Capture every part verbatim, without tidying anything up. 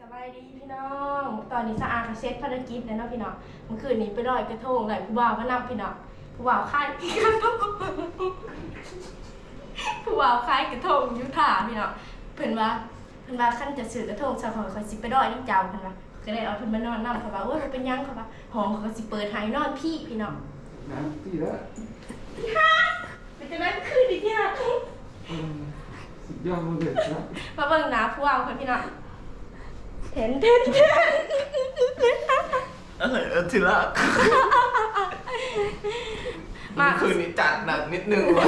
บายดีพี่น้องตอนนี้สะอาดเซ็ตภารกิจแล้วเนาะพี่น้องเมื่อคืนนี้ไปลอยกระทงเลยผู้บ่าวมานำพี่น้องผู้บ่าวค่ายกระทงผู้บ่าวค่ายกระทงยุทธาพี่น้องเพิ่นว่าเพิ่นว่าขั้นจะสื่อกระทงชาวเขาเขาสิไปลอยนี่เจ้าเพิ่นว่าก็เลยเอาเพิ่นมานอนนำเขาว่าโอ้ยมันเป็นยังเขาว่าห้องเขาก็สิเปิดให้นอนพี่พี่น้องน้ำตีแล้วที่ห้าเป็นจังได๋คืนนี้ที่ห้าสุดยอดเลยนะมาเบิ่งหน้าผู้บ่าวคนพี่น้องเห็นเห็นเออทีละมาคืนนี้จัดหนักนิดนึงวะ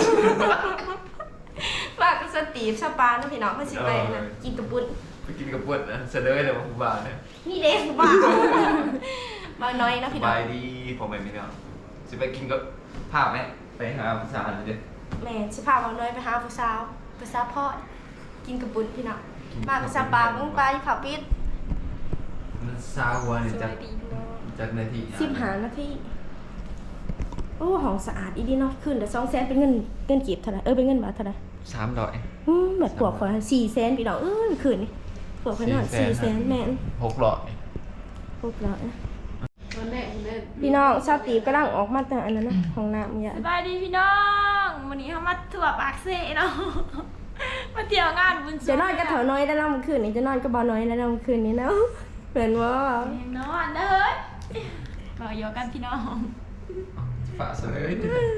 ฝากสตีฟสปานะพี่น้องเพื่อสิไปนะกินกระปุ้นไปกินกระปุ้นนะเสนอเลยว่าผู้บ่าวเนี่ยนี่เด็กผู้บ่าวมาน้อยนะพี่น้องบายดีผมไม่มีเนาะจะไปกินกับภาพไหมไปหาผู้สาวเลยแม่สิพามาน้อยไปหาผู้สาวผู้สาวพ่อกินกระปุ้นพี่น้องมาสปามึงไปผับปิดมันซาหัวเนี่ยจากจากนาทีสิบหานาทีโอ้ห้องสะอาดอีดีเนาะขึ้นแต่สองแสนเป็นเงินเงินกีบเท่าไหร่เออเป็นเงินบาทเท่าไหร่สามร้อยอืมแบบปวกขอสี่แสนพี่น้องเออคืนนี่ปวกขนาดสี่แสนแม่นหกร้อยหกร้อยพี่น้องชาวตีบกำลังออกมาแต่อันนั้นนะของน้ำเนี่ยสบายดีพี่น้องวันนี้เขามาถั่วปากเซ่เนาะมาเที่ยวงานบุญจะนอนกับเถาน้อยได้แล้วเมื่อคืนนี้จะนอนกับบ่าวน้อยได้แล้วเมื่อคืนนี้เนาะเหมือนว่ายังนอนเลยมาโยกันพี่น้องฝาเสย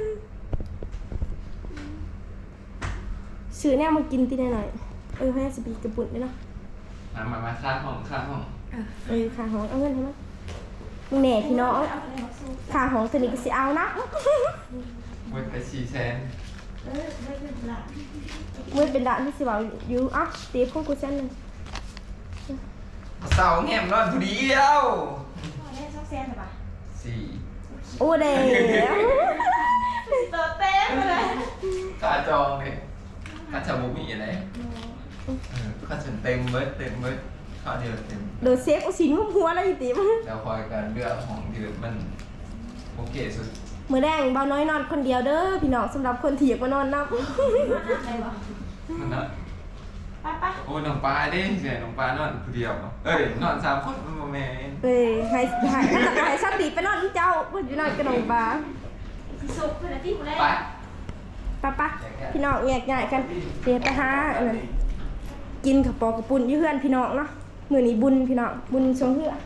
ซื้อเนี่ยมากินตีหน่อยเออให้สปีกระปุนได้เนาะมามามาข้างห้องข้างห้องเออข้างห้องเอาเงินให้มั้ยมึงแหน่พี่น้องข้างห้องตัวนี้ก็สิเอานะเว้ยไปสี่แสนเมื่อเป็นด่านที่สิว่าอยู่อ่ะตีพวกกูเส้นหนึ่งเสาแง่มนอนผู้เดียวสี่โอ้เด้ตัวเต้เลยค่าจองเนี่ยค่าชาบูมีอะไรค่าฉันเต็มเบิดเต็มเบิดค่าเดียวเต็มเดือดเซฟเอาสินหัวอะไรตีมั้งแล้วคอยการเลือกของที่มันโอเคสุดมือแดงเบาน้อยนอนคนเดียวเด้อพี่น้องสำหรับคนที่อยากมานอนนับมันนอนโอ้น้องปลาดิเสียน้องปลานอนคนเดียวเอ้ยนอนสามคนมันโมเมนเอ้ยให้ให้ให้ชาติไปนอนเจ้าเพื่อนอยู่นอนกับน้องปลาสุกเพื่อนที่คนแรกไปป้าป้าพี่น้องแยกย้ายกันเดี๋ยวไปหาอันนั้นกินกับปอกระปุ่นยี่เพื่อนพี่น้องเนาะมือนี้บุญพี่น้องบุญชงเพื่อ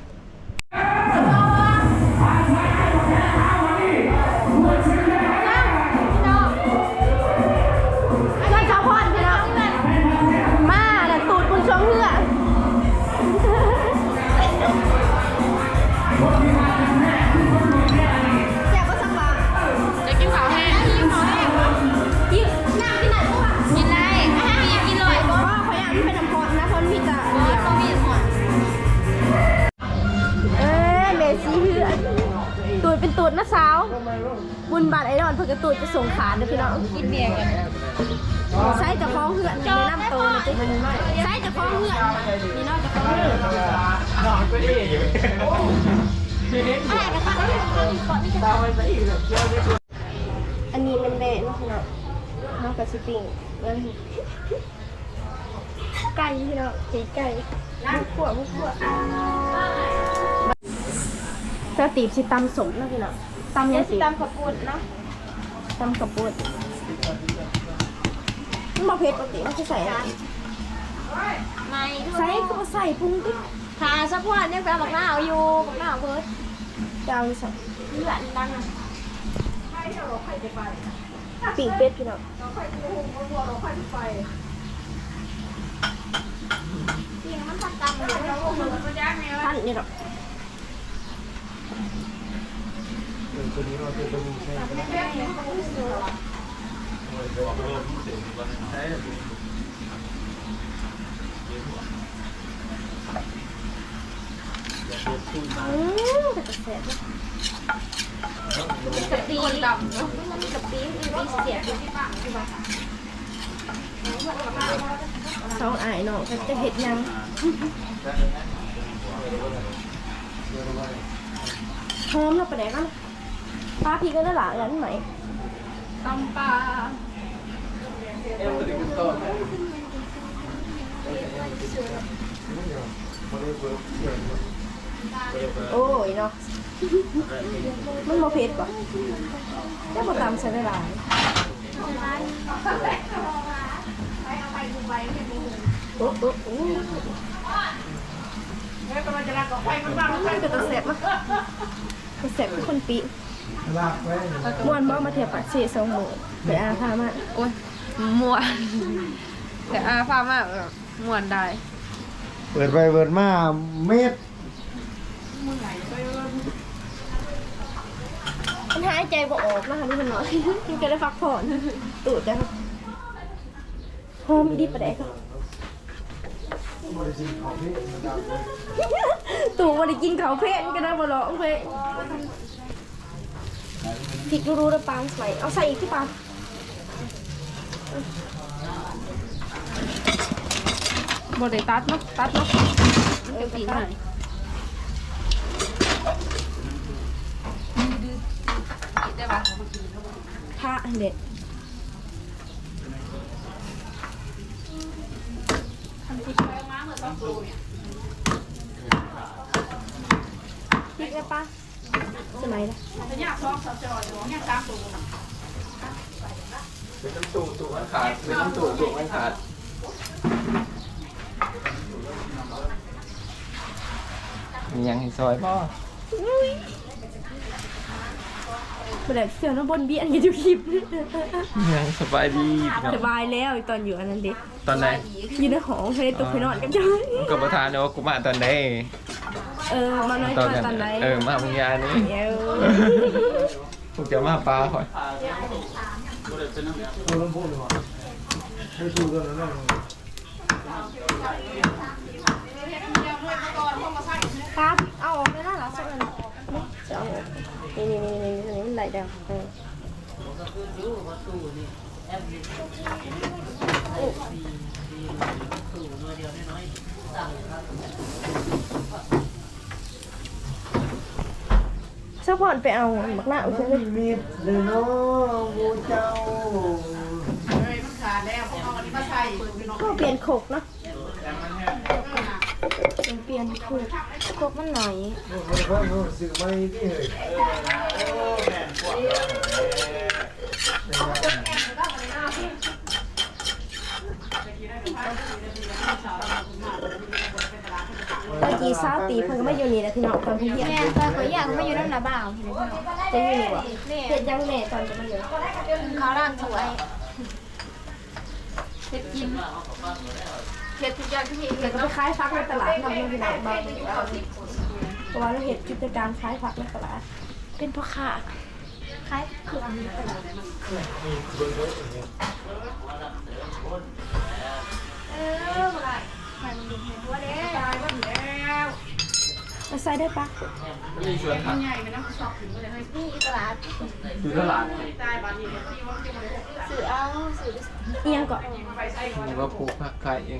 ตูดเป็นตูดนะสาวบุญบาทไอรอนเพื่อกระตูดจะส่งขาเด้อพี่น้องกินเบียร์กันใช้จะคล้องเหือนในน้ำโตนะจ๊ใช้จะคล้องเหือนนี่นอกจะคล้องเหือนนอนก็ดีอันนี้เป็นแบะนะพี่น้องน้องกับสปริงไก่พี่น้องตีไก่บุกขั่วบุกขั่วจะตีบสิตำสมนะพี่น้องตำยังสิตำขับปุ่นเนาะตำขับปุ่นมันมาเผ็ดปกติมันจะใส่อะไรไม่ใส่ก็ใส่ปรุงดิทาสักวันยังไปหมักหน้าเอาอยู่หมักหน้าเพิร์ดจะเอาใส่เลือดดังอ่ะปิ่งเป็ดพี่น้องปิ่งมันทัดตำเลยท่านนี่หรอตัวนี้เราตัวนี้ใช่ไหมใช่อืมแต่กระแสกะปิคนดำเนาะมันกะปิมีเสียที่ปากใช่ปะสองอ้ายน้องจะเห็ดยังหอมเราไปไหนกันปลาพี่ก็ได้หลายอย่างไหมตำปลาโอ้ยเนาะมันโมเผ็ดป่ะแล้วมาตำใส่ได้หลายโอ้โอ้โอ้มันก็จะแสบมั้ยก็แสบทุกคนปีม้วนบ่มาเทียบปักเสียสองหมูไปอาพามาโอ้ยม่วนแต่อาฟ้ามากแบบม่วนได้เปิดไปเปิดมาเม็ดมันหายใจบ่ออกนะคะนี่มันน้อยมันก็ได้พักผ่อนตูดจังหอมดีประเดกตู่บ่ได้กินข้าวเพลนก็ได้บ่หรอกเพลพริกรู้ๆแล้วปางใส่เอาใส่อีกที่ปางบดได้ตัดเนาะตัดเนาะเดี๋ยวตีหน่อย ได้ปะพระเด็ดพริกได้ปะสมัยละเป็นน้ำตู่ตู่มันขาดเป็นน้ำตู่ตู่มันขาดมียังให้ซอยบ่ประเด็กเสือน้ำบนเบี้ยนกันอยู่คลิปยังสบายดีพี่น้องสบายแล้วตอนอยู่อันนั้นเด็กตอนไหนอยู่ในหองให้ตัวไปนอนกันจ้อยมึงกับประธานเนี่ยว่ากูมาตอนไหนเออมาน้อยกว่าตอนไหนเออมามึงยานี่เดี๋ยวกูจะมาปลาคอยตัวลำโพงเลยว่ะให้ดูกันแล้วครับเอาออกไม่ได้หรอสักอันจะเอานี่นี่นี่นี่นี่มันไหลดาวเออซัพพอร์ตไปเอาหมักหน้าเอาใช่ไหมมีดเลยเนาะโมเจ้าก็เปลี่ยนโขกเนาะเปลี่ยนโขกโขกมันหน่อยมันค่อยรู้สึกไม่ที่เหยตอนกี่ซาตีเพิ่นก็ไม่อยู่นี่แหละพี่น้องตอนพี่เรียนแม่ตอนเขาอยากมาอยู่นั่นนะบ่าวจะอยู่นี่วะเฮ็ดยังแม่ตอนจะมาอยู่เขาร่างสวยเฮ็ดกินเฮ็ดทุกอย่างที่เฮ็ดเดี๋ยวก็ไปขายผักในตลาดทำเงินพี่น้องบางเพราะว่าเราเฮ็ดกิจการขายผักในตลาดเป็นพ่อค้าขายเครื่องในตลาดเออบ่ได้ใครมันดูเห็นว่าเด้ตายบ่แล้วมาใส่ได้ปะมีชวนผักนี่ตลาดอยู่ตลาดสื่อเอาสื่อเอียงก่อนหรือว่าปลูกผักขายเอง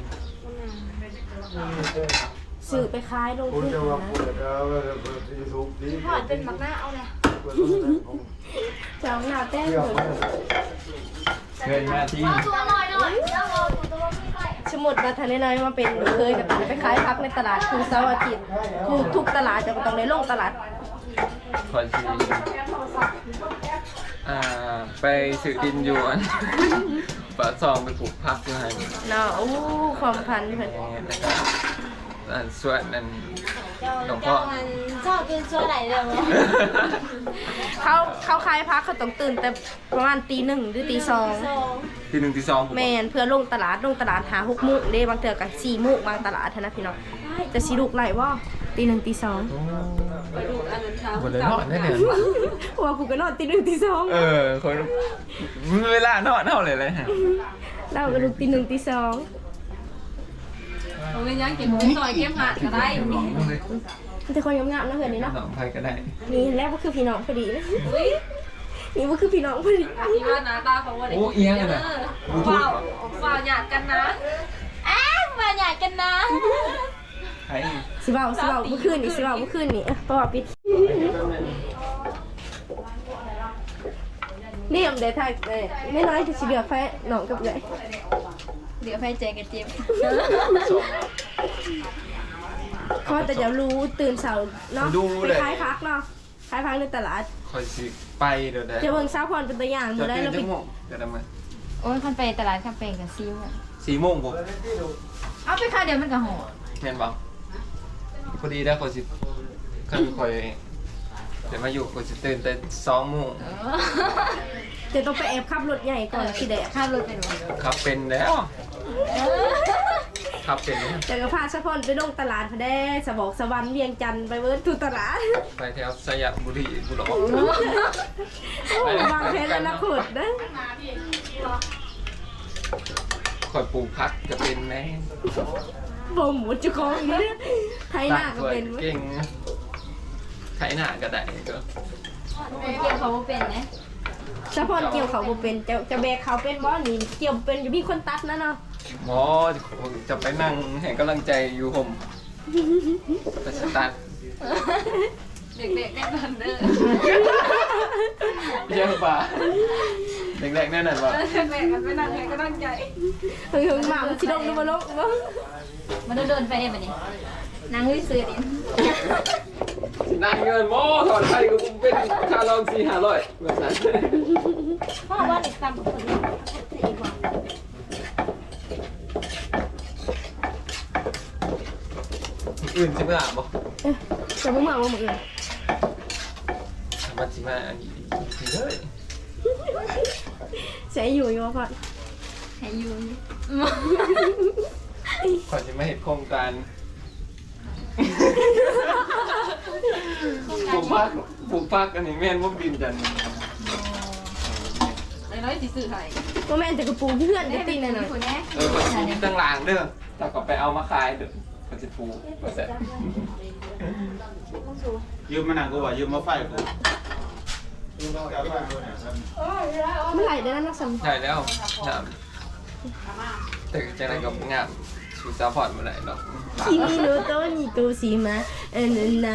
สื่อไปขายลงคุณทุนจะว่านะเปิดเอาเปิดยูทูบดีทอดเป็นหมักหน้าเอาเลยจะเอาหน้าแต้มเที่ยวเลยไปเกินหน้าที่ตัวลอยหน่อยแล้วเอาตัวไม่ไปสมมุดมาทันได้น้อยมาเป็นเคยกับไปขายผักในตลาดคือเสาร์อาทิตย์คือทุกตลาดจะต้องได้ลงตลาดคอยซีอ่าไปสื่อดินอยู่อันปะซองไปปลูกผักอยู่ให้เนาะอู้ความพันเพิ่นอันส่วนนั้นหลวงพ่เจ้าอมันชอบกินชั่วไหนเรื่องเนี่ยเขาเขาขายผักเขาต้องตื่นแต่ประมาณตีหนึ่งหรือตีสองทีหนึ่งทีสองผมแมนเพื่อลงตลาดลงตลาดหาหกโมุกเด้บางเทื่อกันสี่โมุกบางตลาดเท่านะพี่น้องจะสีลูกไหลว่าตีหนึ่งตีสองหมดเลยนอนได้เนี่ยว่ากูก็นอนตีหนึ่งตีสองเออคนเวลานอนเท่าไหร่เลยฮะเราก็ลูกตีหนึ่งตีสองผมเป็นยังเก็บซอยเก็บหัดก็ได้มันจะคนงามๆนะเพื่อนนี่เนาะสองไทยก็ได้นี่แรกก็คือพี่น้องพอดีนะนี่ก็คือพี่น้องพอดีที่ว่าหน้าตาของวันนี้โอ้เอียงกันนะเปล่าเปล่าหยาดกันนะอ้าวมาใหญ่กันนะไทยสิเบาสิเบาเมื่อคืนนี่สิเบาเมื่อคืนนี่เพราะว่าปิดนี่ผมได้ถ่ายเลยไม่น้อยจะสิเดือดแพ้น้องกับใหญ่เดี๋ยวไฟใจกันเจ็บเพราะแต่เดี๋ยวรู้ตื่นเสาร์เนาะดูไปเลยขายพักเนาะขายพักในตลาดคอยสิไปเดี๋ยวได้จะเบิ่งซาพรเป็นตัวอย่างจะมาได้ตื่นเราจัไปงโมงเดี๋ยวทำไมโอ้ยคันไปตลาดคันไปกับซิวอะสี่โมงผมเอาไปค่าเดียวมันก็หอเห็นบ่พอดีได้คอยสิคันคอยเดี๋ยวมาอยู่คอยสิตื่นแต่สองโมงจะต้องไปแอบขับรถใหญ่ก่อนสิเดะค่ารถเป็นวะขับเป็นแล้วขับเป็นแล้วจะก็พาซาพรไปลงตลาดพอได้สะบอกสะวันเวียงจันทร์ไปเวิร์ดทุตลาดไปแถวสยามบุรีบุรีโอ้วางแผนอนาคตนะคอยปลูกพักจะเป็นไหมบ่หมูจุกองอย่างนี้ไทยหน้าก็เป็นเก่งไถหน้าก็ได้ก็คนเกี่ยวเขาบ่เป็นนะซาพรเกี่ยวเขาบ่เป็นจะจะแบกเขาเป็นบ่นี่เกี่ยวเป็นอยู่มีคนตัดนะเนาะหมอจะไปนั่งให้กำลังใจอยู่ผมไปสตาร์ทเด็กๆได้บันเด้อเยี่ยมป่ะเด็กๆแน่นอนป่ะเด็กๆกันไปนั่งให้ก็ตั้งใจเฮ้ยหมามันสิลงดูมาลงบ่มันเดินไปเองแบบนี้นั่งวิซื้อดินั่งเงินโม่ถอดไทยก็เป็นค่าลองสี่ห้าร้อยแบบนั้นพ่อว่าเด็กต่ำกว่าคนอื่นสี่กว่าอื่นใช่ไหมล่ะบอกเอ๊ะจะบ่มาบ่มื้ออื่นมันสิมาอันนี้ดีเลยเสียอยู่อยู่ว่าพ่อให้ยืนก่อนจะมาเห็นโครงการปลูกพักปลูกพักอันนี้แม่นว่าดินจันไอ้น้อยสิซื้อให้บ่แม่นแต่กระปูเพื่อนจะติงหน่อยคนนี้เออคนที่ตั้งรางเด้อแต่ก็ไปเอามาขายเด้อก็จะปลูกก็เสร็จยืมมาหนังกูว่ายืมมาไฟกูๆเมื่อไหร่ได้นั้นนักสัมใช่แล้วน้ำแต่จะไหนก็งามชูซัพพอร์ตมาไหนหรอกคิมิโนโตะนิโกชิมะเอ็นนะ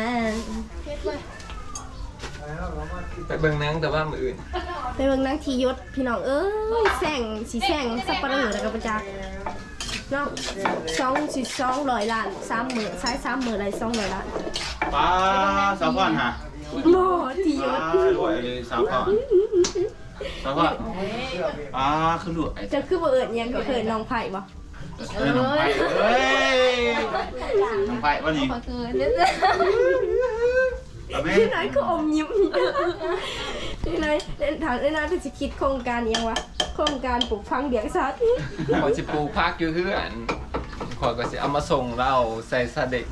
ไปเบิ่งหนังแต่ว่ามืออื่นไปเบิ่งนางทียศพี่น้องเอ้ยแซงสีแซงสับปะเหร่อแล้วก็ประจักษ์เนาะสองสิสองร้อยล้านสามหมื่นซ้ายสามหมื่นอะไรสองร้อยล้านป้าสาวพ่อนฮะโมทียป้าศรวยเลยสาวพ่อนสาวพ่อนป้าขึ้นรวยจะคือบ่เอิญยังก็เคยน้องไผ่บ่เอ้ยน้องไผ่เอ้ยน้องไผ่วันนี้ขอคืนนิดเอาไหมพี่น้อยคืออมยิ้มพี่น้อยถามพี่น้อยเป็นสิคิดโครงการยังวะโครงการปลูกฟังเดียงสัตว์ขอจะปลูกพักอยู่เพื่อนขอยก็สิเอามาส่งเราใส่ซาเด็ก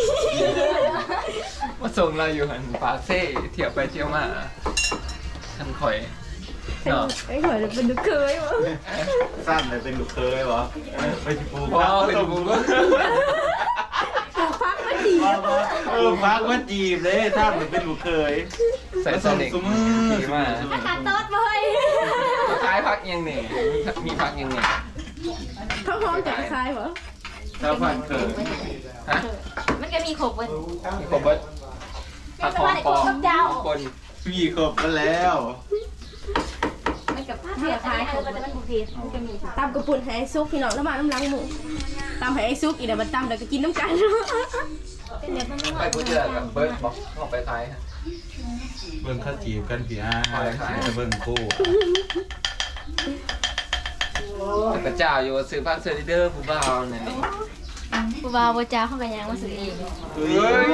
มาส่งเราอยู่หันปากเซ่เที่ยวไปเที่ยวมาท่านคอยเนาะไอ้หอยเป็นลูกเคยวะสั้นเลยเป็นลูกเคยวะไปจิปูพอไปดูก็ปลูกฟักมาดีเออฟักว่าจีบเลยท่านเหมือนเป็นลูกเคยใส่ซาเด็กดีมากขาดต๊ดเลยคล้ายพักยังเนี่ยมีพักยังเนี่ยเขาพร้อมจะคล้ายเหรอสาวพ่อนเคยฮะมันก็มีขบเว้ยมีครบเบิร์ดพักของปอคนพี่ครบกันแล้วมันกับผ้าเสียท้ายขบมันมันบุเทสมันก็มีตำกระปุ่นให้ไอ้ซุกพี่น้องแล้วมาน้ำล้างหมูตำให้ไอ้ซุกอีกเดี๋ยวมันตำแล้วก็กินน้ำกันเป็นแบบมันไปพูดเจอกับเบิร์ดบอกออกไปท้ายเบิ่งข้าจีบกันพี่อาจะเบิ่งคู่แต่กระเจ้าอยู่ซื้อพักเซอร์เดอร์ผู้บ่าวเนี่ยกูบ่าวบ่จ้าเข้ากันยังมาซื้อเองเฮ้ย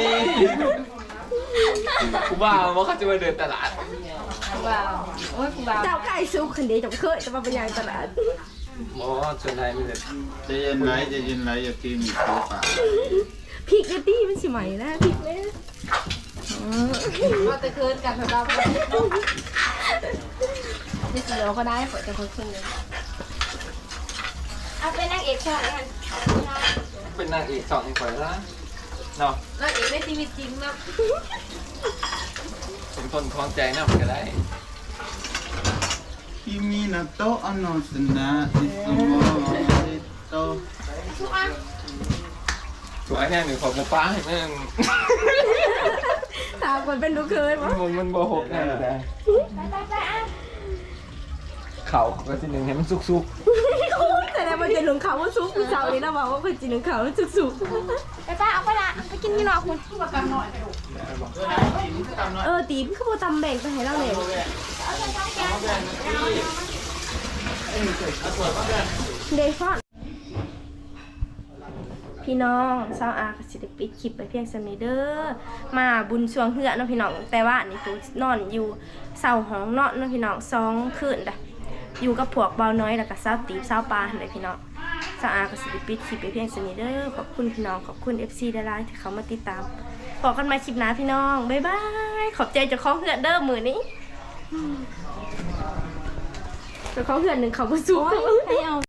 ผู้บ่าวว่าเขาจะมาเดินตลาดกูบ่าวโอ้ยกูบ่าวเจ้าไก่ซุกคนเดียวจะเคยจะมาเป็นอย่างตลาดหมอส่วนไหนมันจะจะเย็นไรจะเย็นไรอย่ากินอีกตัวป่าพริกเอตี้มันสิใหม่นะพริกเลยว่าจะคืนกันแบบเรานี่สิเราก็ได้เปิดจะคืนคืนเลยเอาเป็นนางเอกช่องกันเป็นนางเอกสองอีกคนละเนาะนางเอกในชีวิตจริงนะสมทนคล้องใจน่ามันก็ได้คิมินาโตะอนโนสนะอิสุโมริโตทุกอันตัวไอ้แน่หนึ่งของป้าให้แม่งตามคนเป็นลูกเคยมั้งมันมันโบหกแน่แต่เขาก็ทีหนึ่งให้มันสุกแต่แล้วมันจะหลงเขาว่าซุกผู้สาวนี่นะบอกว่าคนจีนหลงเขาว่าซุกซุกไปป้าเอาไปละพี่น้องคุณคือว่ากันหน่อยไปดูเออตีพี่เขาบอกตำแบ่งไปให้เราเลยเดฟอนพี่น้องเศร้าอาสิได้ปิดคลิปไปเพียงสมิเดอร์มาบุญช่วงเหือเนาะพี่น้องแต่ว่านี่ตูนอนอยู่เสาห้องนอนเนาะพี่น้องสองคืนด่ะอยู่กับพวกเบาน้อยแล้วก็เศร้าตีเศร้าปลาเลยพี่น้องเศร้าอาก็สิได้ปิดคลิปไปเพียงสมิเดอร์ขอบคุณพี่น้องขอบคุณ เอฟ ซี ดาราที่เขามาติดตามพบกันใหม่คลิปหน้าพี่น้องบ๊ายบายขอบใจเจ้าของเหือเด้อมือนี้เจ้าของเหือหนึ่งเขามาสู้ให้เอา